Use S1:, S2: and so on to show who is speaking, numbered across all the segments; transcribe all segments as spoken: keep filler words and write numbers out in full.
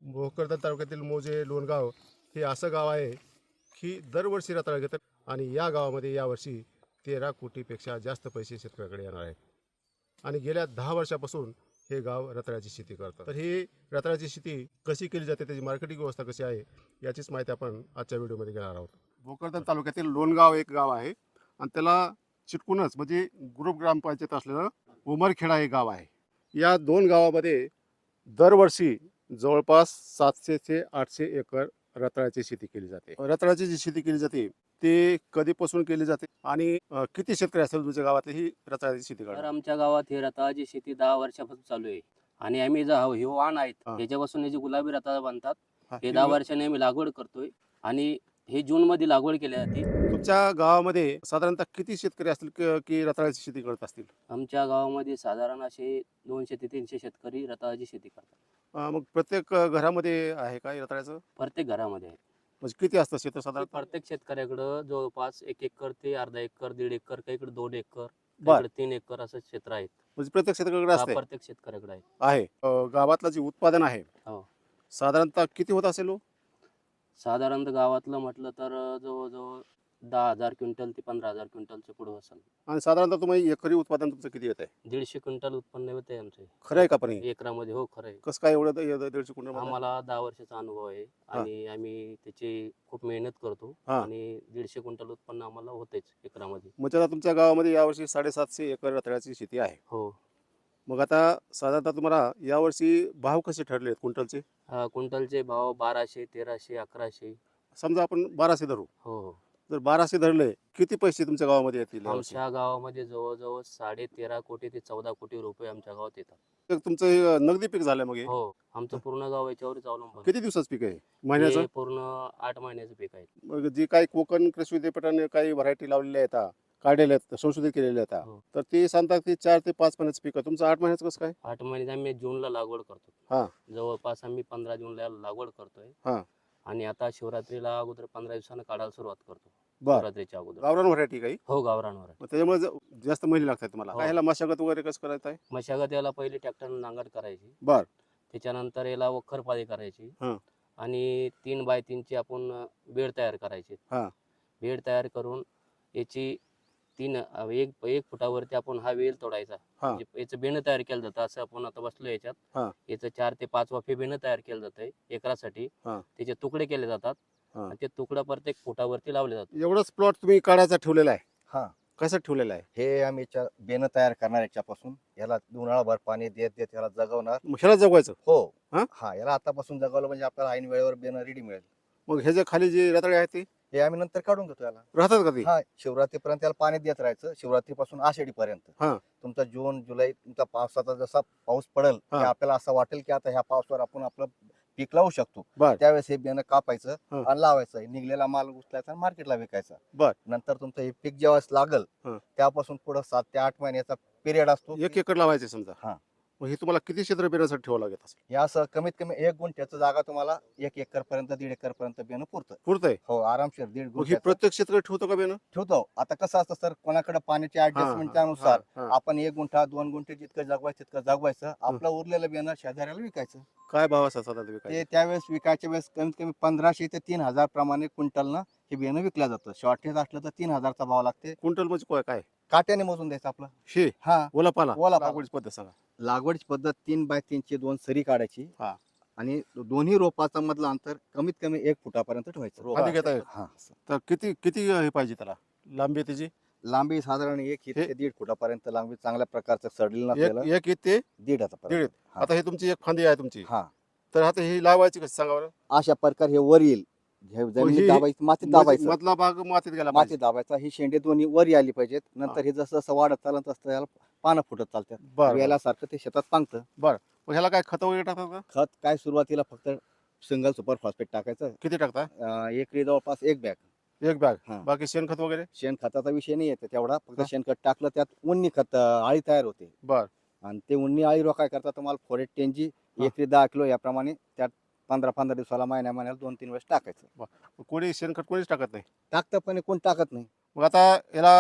S1: भोकरदन तालुक्यातील मोजे लोणगाव हे असं गाव आहे की दरवर्षी रताळा घेतात आणि या गावामध्ये यावर्षी तेरा कोटीपेक्षा जास्त पैसे शेतकऱ्याकडे येणार आहेत. आणि गेल्या दहा वर्षापासून हे गाव रताळ्याची शेती करतात. तर ही रताळ्याची शेती कशी केली जाते, त्याची मार्केटिंग व्यवस्था कशी आहे, याचीच माहिती आपण आजच्या व्हिडिओमध्ये घेणार आहोत. भोकरदन तालुक्यातील लोणगाव एक गाव आहे आणि त्याला चिटकूनच म्हणजे ग्रुप ग्रामपंचायत असलेलं उमरखेडा हे गाव आहे. या दोन गावामध्ये दरवर्षी जवळपास सातशे ते आठशे एकर रताळ्याची शेती केली जाते. रताळ्याची जी शेती केली जाते ते कधीपासून केली जाते आणि अ, किती शेतकरी असतील तुमच्या गावातले ही रताळ्याची शेती
S2: तर
S1: करतात?
S2: आमच्या गावात हे रताळाची शेती दहा वर्षापासून चालू आहे आणि आम्ही जो हे वाण आहेत
S1: हा.
S2: त्याच्यापासून हे जे गुलाबी रताळा बांधतात
S1: हा,
S2: हे
S1: ही
S2: दहा
S1: ग-
S2: वर्षाने आम्ही लागवड करतोय आणि हे जून मध्ये लागवड केली जाते.
S1: तुमच्या गावामध्ये साधारणतः किती शेतकरी असतील क- की रताळ्याची शेती करत असतील?
S2: आमच्या गावामध्ये साधारण असे दोनशे ते तीनशे शेतकरी रताळाची शेती करतात.
S1: अ, मग प्रत्येक अ, घरामध्ये आहे का हे रताळ्याचं?
S2: प्रत्येक घरामध्ये आहे.
S1: म्हणजे किती असतं शेत साधारण?
S2: प्रत्येक शेतकऱ्याकडं जवळपास एक एकर ते अर्धा एकर, दीड एकर, काहीकडे दोन एकर,
S1: बर.
S2: काहीकडे तीन एकर असं क्षेत्र आहेत.
S1: म्हणजे प्रत्येक शेतकऱ्याकडे
S2: हा,
S1: असते
S2: प्रत्येक शेतकऱ्याकडे आहे.
S1: आहे. अ, गावातलं जे उत्पादन आहे
S2: हो.
S1: साधारणतः किती होत असेल हो?
S2: साधारणतः गावातलं म्हटलं तर जवळजवळ दहा हजार क्विंटल ते पंधरा हजार क्विंटलच्या पुढे असेल.
S1: आणि साधारणतः तुम्ही एकरी उत्पादन तुमचं किती येत आहे?
S2: दीडशे क्विंटल उत्पन्न होते आमचे
S1: खरं आहे का पण हे?
S2: एकरामध्ये. हो, खरं आहे.
S1: कसं काय एवढं द- दीडशे क्विंटल मध्ये?
S2: आम्हाला दहा वर्षाचा अनुभव आहे आणि आम्ही त्याची खूप मेहनत करतो
S1: हा.
S2: आणि दीडशे क्विंटल उत्पन्न आम्हाला होतेच एकरामध्ये.
S1: म्हणजे आता तुमच्या गावामध्ये यावर्षी साडेसातशे एकर रताळ्याची शेती आहे.
S2: हो.
S1: मग आता साधारणतः तुम्हाला यावर्षी भाव कसे ठरले आहेत क्विंटलचे?
S2: हा, क्विंटलचे भाव बाराशे, तेराशे, अकराशे.
S1: समजा आपण बाराशे धरू.
S2: हो हो.
S1: जर बाराशे धरले किती पैसे तुमच्या गावामध्ये येतील यावर्षी?
S2: आमच्या गावामध्ये जवळजवळ साडे तेरा कोटी ते चौदा कोटी रुपये आमच्या गावात येतात.
S1: तर तुमचं हे नगदी पीक झालं मग हे?
S2: हो, आमचं पूर्ण गाव याच्यावरच अवलंबून.
S1: किती दिवसाचं पीक आहे महिन्याचं?
S2: हे पूर्ण आठ महिन्याचं पीक आहे.
S1: मग जी काही कोकण कृषी विद्यापीठाने काही व्हरायटी लावलेल्या आहेत, काढलेल्या आहेत, संशोधित केलेल्या आहेत,
S2: हो.
S1: तर ते सांगतात की चार ते पाच महिन्याचं पीक आहे. तुमचं आठ महिन्याचं कसं काय?
S2: आठ महिन्यात आम्ही जूनला लागवड करतो.
S1: हा.
S2: जवळपास आम्ही पंधरा जूनला लागवड करतोय.
S1: हा.
S2: आणि आता शिवरात्रीला अगोदर पंधरा दिवसानं काढायला सुरुवात करतो.
S1: बर.
S2: शिवरात्रीच्या अगोदर.
S1: गावरान व्हरायटी काही?
S2: हो, गावरानवर.
S1: मग त्याच्यामुळे ज- जास्त महिने लागतात तुम्हाला.
S2: हो.
S1: काय ह्याला मशागत वगैरे कसं करायचं आहे?
S2: मशागत याला पहिले ट्रॅक्टरनं नांगरट करायची.
S1: बर.
S2: त्याच्यानंतर याला वखरपाळी करायची.
S1: हा.
S2: आणि तीन बाय तीनची आपण बेड तयार करायची.
S1: हा.
S2: बेड तयार करून याची तीन अ, एक एक फुटावरती आपण हा वेल तोडायचा.
S1: हा.
S2: म्हणजे याचं बेणं तयार केलं जातं. असं आपण आता बसलो याच्यात.
S1: हा.
S2: याचं चार ते पाच वाफे बेणं तयार केलं जातंय एकरासाठी.
S1: हा.
S2: त्याचे तुकडे केले जातात
S1: हा.
S2: आणि ते तुकडा प्रत्येक फुटावरती लावले जातात.
S1: एवढंच प्लॉट तुम्ही काढायचा ठेवलेला आहे?
S3: हा,
S1: कसं ठेवलेला आहे?
S3: हे आम्ही च्या- बेणं तयार करणार याच्यापासून याला उन्हाळाभर पाणी देत देत याला जगवणार.
S1: मग ह्याला जगवायचं?
S3: हो.
S1: हा?
S3: हा, याला आतापासून जगवलं म्हणजे आपल्याला ऐन वेळेवर बेणं रेडी मिळेल.
S1: मग ह्याच्या खाली जे रताळे आहेत ते
S3: हे आम्ही नंतर काढून घेतो याला.
S1: राहतात का ते?
S3: हा, शिवरात्रीपर्यंत याला पाणी देत राहायचं. शिवरात्रीपासून आषाढी पर्यंत.
S1: हा.
S3: तुमचा जून जुलै तुमचा पावसाचा जसा पाऊस पडेल
S1: हा.
S3: की आपल्याला असं वाटेल की आता ह्या पावसावर आपण आपलं पीक लावू शकतो.
S1: बर.
S3: त्यावेळेस हे बेणं कापायचं
S1: हा.
S3: आणि लावायचं. निघलेला माल उचलायचा आणि मार्केटला विकायचा.
S1: बर.
S3: नंतर तुमचं हे पीक जेव्हा लागल
S1: हा.
S3: त्यापासून पुढे सात ते आठ महिन्याचा पिरियड असतो.
S1: एक एकर लावायचे समजा.
S3: हा.
S1: मग हे तुम्हाला किती क्षेत्र पेरण्यासाठी ठेवावं लागत असेल?
S3: या असं कमीत कमी एक गुंठ्याचं जागा तुम्हाला एक एकर पर्यंत दीड एकर पर्यंत बेणं पुरतं.
S1: पुरतंय?
S3: हो, आरामशीर दीड
S1: मग ही
S3: गुंठ्याचं
S1: प्रत्येक क्षेत्र ठेवतो का बेन?
S3: ठेवतो. आता कसं असतं सर, कोणाकडे पाण्याच्या ऍडजस्टमेंटच्या अनुसार आपण एक गुंठा दोन गुंठे जितकं जगवायचं तितकं जगवायचं. आपलं उरलेलं बेणं शेजाऱ्याला विकायचं.
S1: काय भाव असा साधारण
S3: ते
S1: विकायचा?
S3: त्यावेळेस विकायच्या वेळेस कमीत कमी पंधराशे ते तीन हजार प्रमाणे क्विंटलनं हे बेणं विकलं जातं. शॉर्टेज असलं तर तीन हजारचा भाव लागते.
S1: क्विंटल म्हणजे काय- काय
S3: काट्याने मोजून द्यायचं आपलं.
S1: हे
S3: हा,
S1: ओला पाला?
S3: ओला पाला.
S1: लागवडीची पद्धत सांगा.
S3: लागवडीची पद्धत तीन बाय तीनची दोन सरी काढायची.
S1: हा.
S3: आणि दोन्ही रोपाचं मधलं अंतर कमीत कमी एक फुटापर्यंत ठेवायचं. रोप
S1: खाली घेता येईल?
S3: हा, असं.
S1: तर किती किती हे पाहिजे त्याला लांबी त्याची?
S3: लांबी साधारण एक
S1: हे-
S3: ते दीड फुटापर्यंत लांबी, चांगल्या प्रकारचं सडलेलं
S1: एक
S3: नसलेलं
S1: एक इथे
S3: दीड
S1: दीड.
S3: हा.
S1: आता हे तुमची एक फांदी आहे तुमची,
S3: हा,
S1: तर आता ही लावायची कशी सांगा बरं?
S3: अशा प्रकारे हे वर येईल. हे
S1: ही-
S3: जमिनीत दाबायचं, मातीत
S1: म्हणजे
S3: दाबायचं.
S1: मधला भाग मातीत गेला
S3: मातीत
S1: पाहिजे.
S3: दाबायचा. ही शेंडे दोन्ही वर आली पाहिजेत. नंतर हे जसं जसं वाढत चालत असतं याला पानं फुटत चालतात.
S1: बरं, बरं.
S3: वेलासारखं ते शेतात पांगतं.
S1: मग ह्याला काय खत वगैरे टाकतात का?
S3: खत काय सुरुवातीला फक्त सिंगल सुपर फॉस्फेट टाकायचं.
S1: किती टाकता?
S3: अं, एकरी जवळपास एक बॅग.
S1: एक बॅग.
S3: हा.
S1: बाकी शेणखत वगैरे?
S3: शेणखताचा विषय नाही येते तेवढा. फक्त
S1: हा.
S3: शेणखत टाकलं त्यात उन्नी खत अं, आळी तयार होते.
S1: बर.
S3: आणि ते उन्नी आळी रोखाय करता तुम्हाला फोरेट टेनजी
S1: हा.
S3: एकरी दहा किलो याप्रमाणे त्यात पंधरा पंधरा दिवसाला महिन्या महिन्याला दोन तीन वेळेस टाकायचं.
S1: कोणी शेणखत कोणीच टाकत नाही?
S3: टाकतं पण कोण टाकत नाही.
S1: मग आता याला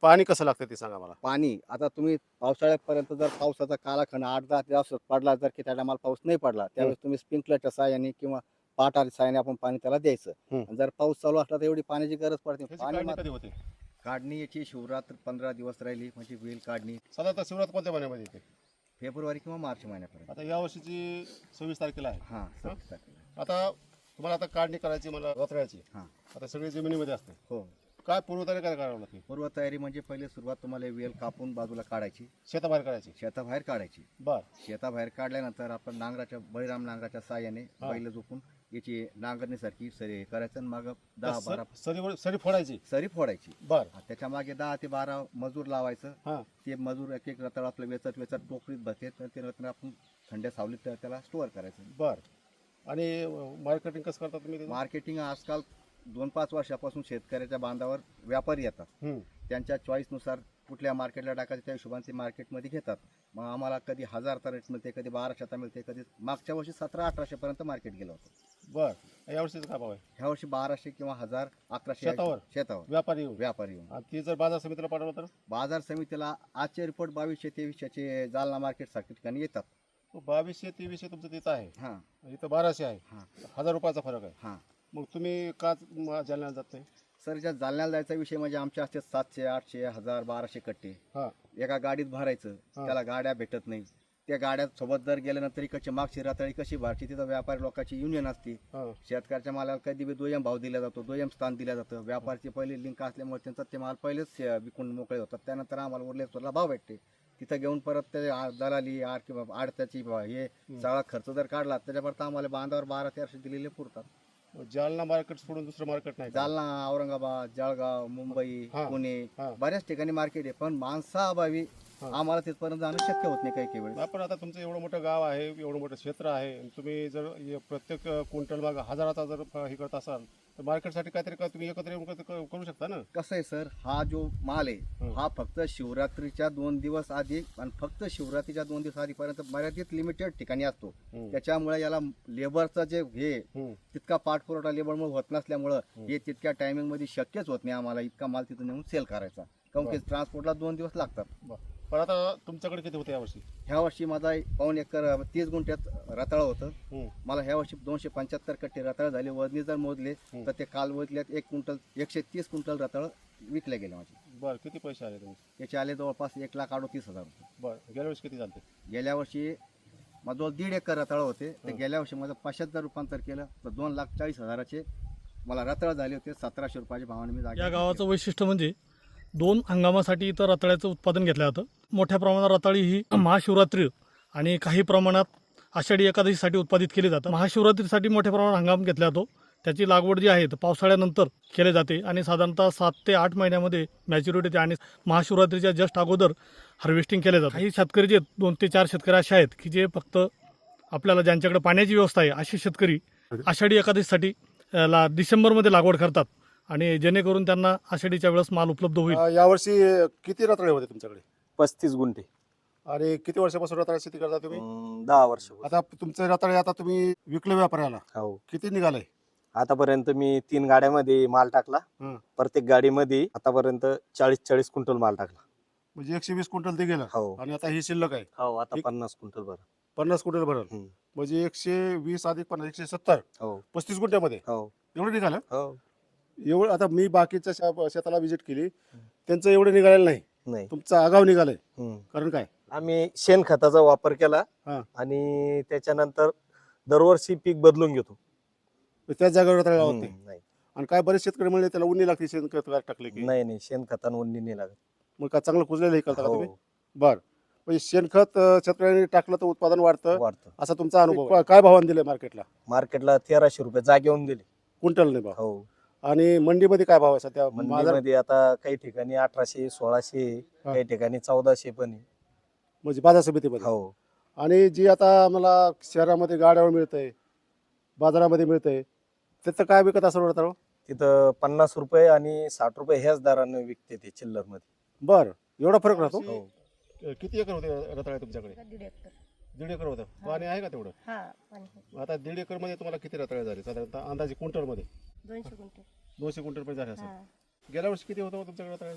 S1: पाणी कसं लागतं ते सांगा मला.
S3: पाणी आता तुम्ही पावसाळ्यापर्यंत जर पावसाचा कालाखंड आठ दहा दिवस पडला, जर की त्या टायमाला पाऊस नाही पडला त्यावेळेस तुम्ही स्प्रिंकलरच्या साहाय्याने किंवा पाटाच्या साहाय्याने आपण पाणी त्याला द्यायचं.
S1: हम्म.
S3: आणि जर पाऊस चालू असला तर एवढी पाण्याची गरज पडते.
S1: त्याची
S3: पाणी
S1: काढणी
S3: मात्र-
S1: कधी होते?
S3: काढणी याची शिवरात्र पंधरा दिवस राहिली म्हणजे वेल काढणी
S1: साधारणतः शिवरात्र कोणत्या महिन्यामध्ये येते?
S3: फेब्रुवारी किंवा मार्च महिन्यापर्यंत.
S1: आता या वर्षीची सव्वीस तारखेला आहे.
S3: हां सव्वीस तारखेला.
S1: आता तुम्हाला आता काढणी करायची मला रताळ्याची.
S3: हां
S1: आता सगळी जमिनीमध्ये असते.
S3: हो.
S1: काय पूर्वतयारी काय करावं लागते?
S3: पूर्वतयारी म्हणजे पहिले सुरुवात तुम्हाला वेल कापून बाजूला काढायची,
S1: शेताबाहेर करायची.
S3: शेताबाहेर काढायची.
S1: बर.
S3: शेताबाहेर काढल्यानंतर आपण नांगराच्या बळीराम नांगराच्या साहाय्याने
S1: हा.
S3: बैल झोपून याची नांगरणीसारखी सरी करायचं आणि मग दहा
S1: सर-
S3: बारा
S1: सरी सरी फोडायची.
S3: सरी फोडायची.
S1: बर.
S3: त्याच्या मागे दहा ते बारा मजूर लावायचं.
S1: हा.
S3: ते मजूर एक एक रताळ आपलं वेचत वेचत टोकरीत बसते, तर ते रत्न आपण थंड्या सावलीत त्या- त्याला स्टोअर करायचं.
S1: बर. आणि मार्केटिंग कसं करता तुम्ही त्याचं?
S3: मार्केटिंग आजकाल दोन पाच वर्षापासून शेतकऱ्याच्या बांधावर व्यापारी येतात.
S1: हम्म.
S3: त्यांच्या चॉईसनुसार कुठल्या मार्केटला टाकायचं त्या हिशोबाने ते मार्केटमध्ये घेतात. मग आम्हाला कधी हजारचा रेट मिळते, कधी बाराशेचा मिळते, कधी मागच्या वर्षी सतरा अठराशे पर्यंत मार्केट गेलं होतं.
S1: बर. या वर्षीचा काय भाव आहे?
S3: ह्या वर्षी बाराशे किंवा हजार अकराशे
S1: शेतावर?
S3: शेतावर
S1: व्यापारी येऊन.
S3: व्यापारी येऊन.
S1: आणि ती जर बाजार समितीला पाठवलं तर
S3: बाजार समितीला आजचे रिपोर्ट बावीसशे तेवीसशेचे जालना मार्केट सारख्या ठिकाणी येतात.
S1: बावीसशे तेवीसशे तुमचं तिथं आहे,
S3: हां
S1: इथं बाराशे आहे.
S3: हां
S1: हजार रुपयाचा फरक आहे.
S3: हां.
S1: मग तुम्ही का म- जालन्याला जात नाही?
S3: सर ज्या जालन्याला जायचा विषय म्हणजे आमच्या असते सातशे आठशे हजार बाराशे कट्टे
S1: हा.
S3: एका गाडीत भरायचं.
S1: हा.
S3: त्याला गाड्या भेटत नाही. त्या गाड्या सोबत जर गेल्यानंतर इकडची मागची रताळी कशी भरची, तिथं व्यापारी लोकांची युनियन असते.
S1: हा.
S3: शेतकऱ्याच्या मालाला कधी बी दुय्यम भाव दिला जातो, दुय्यम स्थान दिलं जातं. व्यापारची पहिली लिंक असल्यामुळे त्यांचा ते माल पहिलेच अं, विकून मोकळे होतात. त्यानंतर आम्हाला उरलेला भाव भेटते. तिथं घेऊन परत ते आ- दलाली आड किंवा आडत्याची ब- हे सगळा खर्च जर काढला त्याच्यापर्यंत आम्हाला बांधावर बारा तेराशे दिलेले पुरतात.
S1: मग जालना मार्केट सोडून दुसरं मार्केट नाही का?
S3: जालना, औरंगाबाद, जळगाव, मुंबई,
S1: हा.
S3: पुणे
S1: हा.
S3: बऱ्याच ठिकाणी मार्केट आहे, पण माणसाअभावी
S1: हा.
S3: आम्हाला तिथपर्यंत जाणं शक्य होत नाही काही काही वेळेस.
S1: आपण आता तुमचं एवढं मोठं गाव आहे, एवढं मोठं क्षेत्र आहे, आणि तुम्ही जर हे प्रत्येक क्विंटल माग हजाराचा जर फ- हे करत असाल तर मार्केटसाठी काहीतरी का तुम्ही एकत्र येऊन क- क- करू शकता ना.
S3: कसं आहे सर, हा जो माल आहे
S1: हं.
S3: हा फक्त शिवरात्रीच्या दोन दिवस आधी आणि फक्त शिवरात्रीच्या दोन दिवस आधीपर्यंत मर्यादित लिमिटेड ठिकाणी असतो.
S1: हम्म.
S3: त्याच्यामुळे याला लेबरचं जे हे
S1: हम्म.
S3: तितका पाठपुरवठा लेबरमुळे होत नसल्यामुळं हे तितक्या टायमिंग मध्ये शक्यच होत नाही आम्हाला इतका माल तिथून नेऊन सेल करायचा. काऊन की ट्रान्सपोर्टला दोन दिवस लागतात.
S1: बरं. पण आता तुमच्याकडे किती होते यावर्षी?
S3: ह्या वर्षी माझा पाऊण एकर तीस गुंठ्यात रताळ होतं.
S1: हम्म.
S3: मला ह्या वर्षी दोनशे पंच्याहत्तर कट्टे रताळ झाले. वजनी जर मोजले
S1: हं.
S3: तर ते काल वजल्यात एक क्विंटल एकशे तीस क्विंटल रताळ विकले गेले माझे.
S1: बरं. किती पैसे आले तुम्ही?
S3: त्याचे आले जवळपास एक लाख अडोतीस हजार रुपये.
S1: बरं. गेल्या वर्षी किती झाले?
S3: गेल्या वर्षी माझं दीड एकर रताळ होते. तर गेल्या वर्षी माझं पाचशे जर रूपांतर केलं तर दोन लाख चाळीस हजाराचे मला रताळ झाले होते. सतराशे रुपयाच्या भावाने मी जागा
S4: या गावाचं वैशिष्ट्य म्हणजे दोन हंगामासाठी इथं रताळ्याचं उत्पादन घेतलं जातं. मोठ्या प्रमाणात रताळी ही महाशिवरात्री आणि काही प्रमाणात आषाढी एकादशीसाठी उत्पादित केली जातं. महाशिवरात्रीसाठी मोठ्या प्रमाणात हंगाम घेतला जातो. त्याची लागवड जी आहे तर पावसाळ्यानंतर केली जाते आणि साधारणतः सात ते आठ महिन्यामध्ये मॅच्युरिटी येते आणि महाशिवरात्रीच्या जस्ट अगोदर हार्वेस्टिंग केले जातं. काही शेतकरी जे दोन ते चार शेतकरी असे आहेत की जे फक्त आपल्याला ज्यांच्याकडे पाण्याची व्यवस्था आहे असे शेतकरी आषाढी एकादशीसाठी अ, ला डिसेंबरमध्ये लागवड करतात आणि जेणेकरून त्यांना आषाढीच्या वेळेस माल उपलब्ध होईल.
S1: अं, यावर्षी किती रताळे होते तुमच्याकडे?
S5: पस्तीस गुंठे.
S1: आणि किती वर्षापासून रताळा शेती करता तुम्ही?
S5: अं, दहा वर्ष.
S1: आता तुमचे रताळे आता तुम्ही विकले व्यापाऱ्याला,
S5: हो.
S1: किती निघाले?
S5: आतापर्यंत मी तीन गाड्यामध्ये माल टाकला.
S1: हं.
S5: प्रत्येक गाडीमध्ये आतापर्यंत चाळीस चाळीस क्विंटल माल टाकला.
S1: म्हणजे एकशे वीस क्विंटल ते गेलं.
S5: हो.
S1: आणि आता ही शिल्लक आहे
S5: हो. आता
S1: ठीक.
S5: पन्नास क्विंटल भर.
S1: पन्नास क्विंटल भरल.
S5: हं.
S1: म्हणजे एकशे वीस अधिक पन्नास एकशे सत्तर
S5: हो.
S1: पस्तीस गुंठ्यामध्ये
S5: हो.
S1: एवढं निघालं.
S5: हो.
S1: एवढं आता मी बाकीच्या शा- शेताला व्हिजिट केली, त्यांचं एवढं निघालेलं नाही.
S5: नाही.
S1: तुमचं आगाव निघालंय.
S5: हं.
S1: कारण काय?
S5: आम्ही शेणखताचा वापर केला
S1: हा.
S5: आणि त्याच्यानंतर दरवर्षी पीक बदलून घेतो.
S1: त्याच जागेवर रताळे
S5: हं.
S1: लावत नाही.
S5: नाही
S1: आणि काय बरेच शेतकरी म्हणले त्याला उन्नी लागते शेणखत टाकले की.
S5: नाही नाही शेणखतान उन्नी नाही लागत.
S1: मग काय चांगलं कुजलेलं हे करता का
S5: हो.
S1: तुम्ही? बर. म्हणजे शेणखत अं, शेतकऱ्यांनी टाकलं तर उत्पादन वाढतं
S5: वाढतं.
S1: असा तुमचा अनुभव आहे. काय भावाने दिले मार्केटला?
S5: मार्केटला तेराशे रुपये जागेवून दिले.
S1: क्विंटल नाही भाव.
S5: हो.
S1: आणि मंडीमध्ये काय भाव आहे सध्या? बाजार
S5: मंडीमध्ये आता काही ठिकाणी अठराशे सोळाशे
S1: हा.
S5: काही ठिकाणी चौदाशे पण आहे.
S1: म्हणजे बाजार समितीमध्ये.
S5: हो.
S1: आणि जी आता मला शहरामध्ये गाड्यावर मिळतंय, बाजारामध्ये मिळतंय, त्याचं काय विकत असं रताळ?
S5: तिथं पन्नास रुपये आणि साठ रुपये ह्याच दराने विकते ते चिल्लर मध्ये.
S1: बर. एवढा फरक राहतो?
S5: हो.
S1: किती एकर होते रताळे तुमच्याकडे?
S6: दीड एकर.
S1: दीड एकर होतं. पाणी आहे का तेवढं?
S6: हा पाणी आहे.
S1: आता दीड एकर मध्ये तुम्हाला किती रताळे झाले साधारणतः अंदाजे क्विंटल मध्ये?
S6: दोनशे गुंठे.
S1: दोनशे क्विंटल पर्यंत झाले
S6: हा.
S1: असेल. गेल्या वर्षी किती होतं हो तुमच्याकडे रताळे?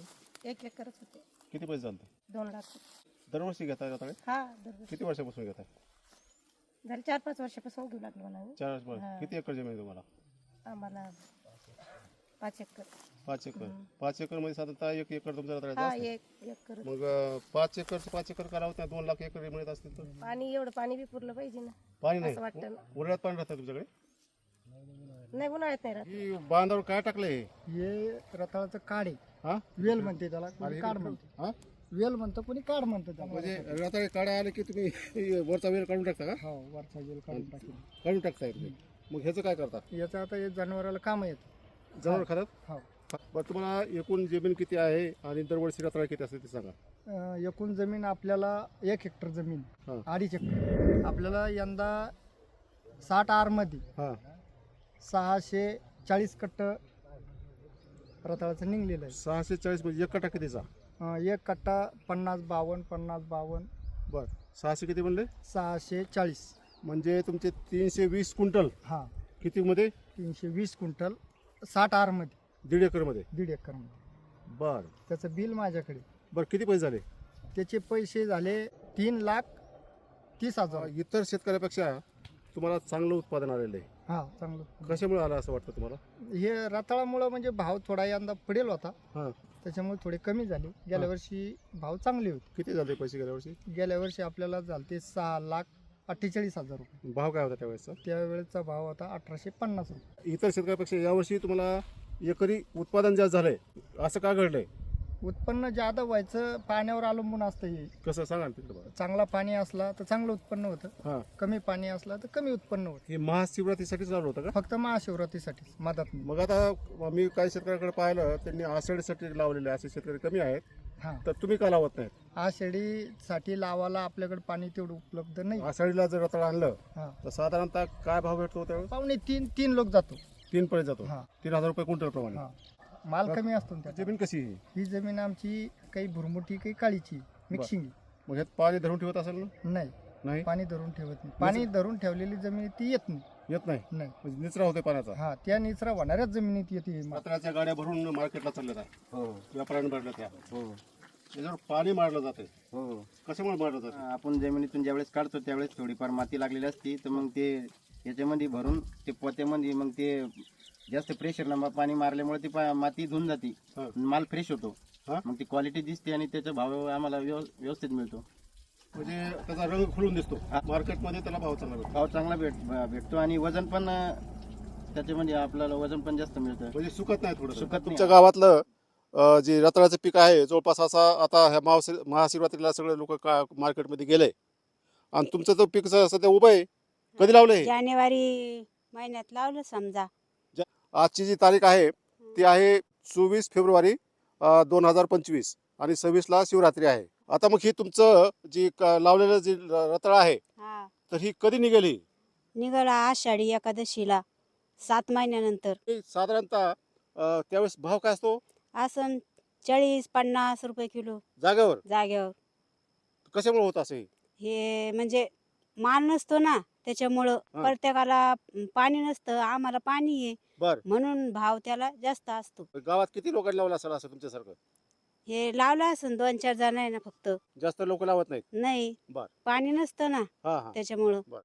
S6: एक एकरच होते.
S1: किती पैसे चालते?
S6: दोन लाख.
S1: दरवर्षी घेताय रताळे?
S6: हा दरवर्षी.
S1: किती वर्षापासून घेताय?
S6: झाले चार पाच वर्षापासून घेऊ लागलो म्हणा.
S1: चार वर्ष.
S6: हा.
S1: किती एकर जमीन आहे तुम्हाला?
S6: आम्हाला पाच एकर.
S1: पाच एकर. पाच एकर मध्ये साधारणतः एक एकर तुमचा रताळ्याचा
S6: हा
S1: असतो.
S6: एक एकर.
S1: मग अं, पाच एकर पाच एकर करावं त्या दोन लाख एकर मिळत असतील तर
S6: पाणी एवढं पाणी बी पुरलं पाहिजे ना.
S1: पाणी
S6: असं
S1: नाही.
S6: वाटतं ना.
S1: उन्हाळ्यात पाणी राहतं तुमच्याकडे?
S6: नाही उन्हाळ्यात नाही राहत.
S1: ही बांधावर काय टाकलंय?
S7: हे रताळाचं काढ आहे.
S1: हा?
S7: वेल म्हणते त्याला,
S1: आणि
S7: कोणी
S1: हे
S7: काढ
S1: कुठं-
S7: म्हणते.
S1: हा?
S7: वेल म्हणतं, कोणी काढ म्हणतं त्याला.
S1: म्हणजे रताळे काढा आले की तुम्ही वरचा वेल काढून टाकता का?
S7: हो, वरचा वेल काढून टाकेल.
S1: काढून टाकताय तुम्ही. मग ह्याचं काय करता?
S7: याचं आता हे जनावराला काम येत.
S1: जनावर खातात?
S7: हो.
S1: बरं, तुम्हाला एकूण जमीन किती आहे आणि दरवर्षी रताळे किती असते ते सांगा.
S7: अं, एकूण जमीन आपल्याला एक हेक्टर जमीन,
S1: हा.
S7: अडीच हेक्टर. आपल्याला यंदा साठ आरमध्ये
S1: हा.
S7: सहाशे चाळीस कट्ट रताळाचं निघलेलं आहे.
S1: सहाशे चाळीस म्हणजे एक कटा कितीचा?
S7: अं, एक कट्टा पन्नास बावन्न पन्नास बावन्न
S1: बरं, सहाशे किती म्हणले?
S7: सहाशे चाळीस.
S1: म्हणजे तुमचे तीनशे वीस क्विंटल
S7: हा,
S1: किती मध्ये?
S7: तीनशे वीस क्विंटल साठ आरमध्ये,
S1: दीड एकर मध्ये.
S7: दीड एकरमध्ये.
S1: बरं
S7: त्याचं बिल माझ्याकडे.
S1: बरं, किती पैसे झाले?
S7: त्याचे पैसे झाले तीन लाख तीस हजार.
S1: इतर शेतकऱ्यापेक्षा तुम्हाला चांगलं उत्पादन आलेलं आहे.
S7: हा, चांगलं.
S1: कशामुळे आलं असं वाटतं तुम्हाला?
S7: हे रताळामुळं म्हणजे भाव थोडा यंदा पडेल होता,
S1: हां.
S7: त्याच्यामुळे थोडे कमी झाले. गेल्या
S1: हा.
S7: वर्षी भाव चांगले होते.
S1: किती झाले पैसे गेल्या वर्षी?
S7: गेल्या वर्षी आपल्याला झालते सहा लाख अठ्ठेचाळीस हजार रुपये.
S1: भाव काय होता त्यावेळेसचा?
S7: त्यावेळेचा भाव होता अठराशे पन्नास रुपये.
S1: इतर शेतकऱ्यापेक्षा यावर्षी तुम्हाला एकरी उत्पादन जास्त झालंय, असं का घडलंय?
S7: उत्पन्न जादा व्हायचं पाण्यावर अवलंबून असतं. हे
S1: कसं सांगा ना तिकडं बघा.
S7: चांगला पाणी असला तर चांगलं उत्पन्न होतं,
S1: हां.
S7: कमी पाणी असला तर कमी उत्पन्न होतं.
S1: हे महाशिवरात्रीसाठी चालू होतं का?
S7: फक्त महाशिवरात्रीसाठी मदत नाही.
S1: मग आता मी काही शेतकऱ्याकडे पाहिलं, त्यांनी आषाढीसाठी लावलेले असे शेतकरी कमी आहेत,
S7: हां,
S1: तर तुम्ही का लावत नाहीत?
S7: आषाढीसाठी लावायला आपल्याकडे पाणी तेवढं उपलब्ध नाही.
S1: आषाढीला जर रताळ आणलं
S7: हां,
S1: तर साधारणतः काय भाव भेटतो त्यावेळेस?
S7: पावणे तीन तीन लोक जातो.
S1: तीन पर्यंत जातो.
S7: हां,
S1: तीन हजार रुपये क्विंटल प्रमाणे.
S7: हां. माल कमी असतो ना त्याचा.
S1: जमीन कशी आहे?
S7: ही जमीन आमची काही भुरमुटी काही काळीची मिक्सिंग.
S1: मग ह्यात पाणी धरून ठेवत असेल ना?
S7: नाही,
S1: नाही,
S7: पाणी धरून ठेवत नाही. पाणी धरून ठेवलेली जमीन ती येत नाही.
S1: येत नाही.
S7: नाही.
S1: म्हणजे निचरा होते पाण्याचा.
S7: हा, त्या निचरा होणाऱ्याच जमिनीत येते.
S1: रताळ्याच्या गाड्या भरून मार्केटला चालल्या आहे.
S3: हो
S1: व्यापाऱ्यांनी भरल्या त्या.
S3: हो
S1: त्याच्यावर पाणी मारलं जाते.
S3: हो.
S1: कशामुळे मारलं जाते?
S3: आपण जमिनीतून ज्यावेळेस काढतो त्यावेळेस थोडीफार माती लागलेली असते, तर मग ते याच्यामध्ये भरून ते पोत्यामध्ये मग ते जास्त प्रेशरनं पाणी मारल्यामुळे ती पा- माती धुवून जाते.
S1: हा.
S3: माल फ्रेश होतो.
S1: हा?
S3: मग ती क्वालिटी दिसते आणि त्याचा भाव आम्हाला व्यव- व्यवस्थित मिळतो.
S1: म्हणजे त्याचा रंग खुलून दिसतो. मार्केटमध्ये त्याला भाव चांगला भेटतो.
S3: भाव चांगला भेट भेटतो आणि वजन पण अं, त्याच्यामध्ये आपल्याला वजन पण जास्त मिळतं.
S1: म्हणजे सुकत नाही थोडं.
S3: सुकत नाही.
S1: तुमच्या गावातलं अं, जे रताळ्याचं पीक आहे जवळपास असा आता ह्या महाशि महाशिवरात्रीला सगळे लोक का मार्केटमध्ये गेले आणि तुमचं तो पीक स- सध्या उभं आहे. कधी लावलंय?
S8: जानेवारी महिन्यात लावलं समजा.
S1: आजची जी तारीख आहे ती आहे चोवीस फेब्रुवारी दोन हजार पंचवीस आणि सव्वीसला शिवरात्री आहे. आता मग ही तुमचं जी क- लावलेलं जे रताळ आहे
S8: हा,
S1: तर ही कधी निघाली?
S8: निघाला आषाढी एकादशीला सात महिन्यानंतर.
S1: हे साधारणतः अं, त्यावेळेस भाव काय असतो?
S8: असं चाळीस पन्नास रुपये किलो
S1: जागेवर?
S8: जाग्यावर.
S1: कशामुळे होत असे?
S8: हे म्हणजे माल नसतो ना त्याच्यामुळं.
S1: हा.
S8: प्रत्येकाला पाणी नसतं, आम्हाला पाणी आहे
S1: बर,
S8: म्हणून भाव त्याला जास्त असतो.
S1: गावात किती लोकांनी लावलं असेल असं तुमच्यासारखं?
S8: हे लावलं असं दोन चार जण आहे ना फक्त.
S1: जास्त लोक लावत नाहीत.
S8: नाही,
S1: बर.
S8: पाणी नसतं ना
S1: हा हा
S8: त्याच्यामुळं.
S1: बर.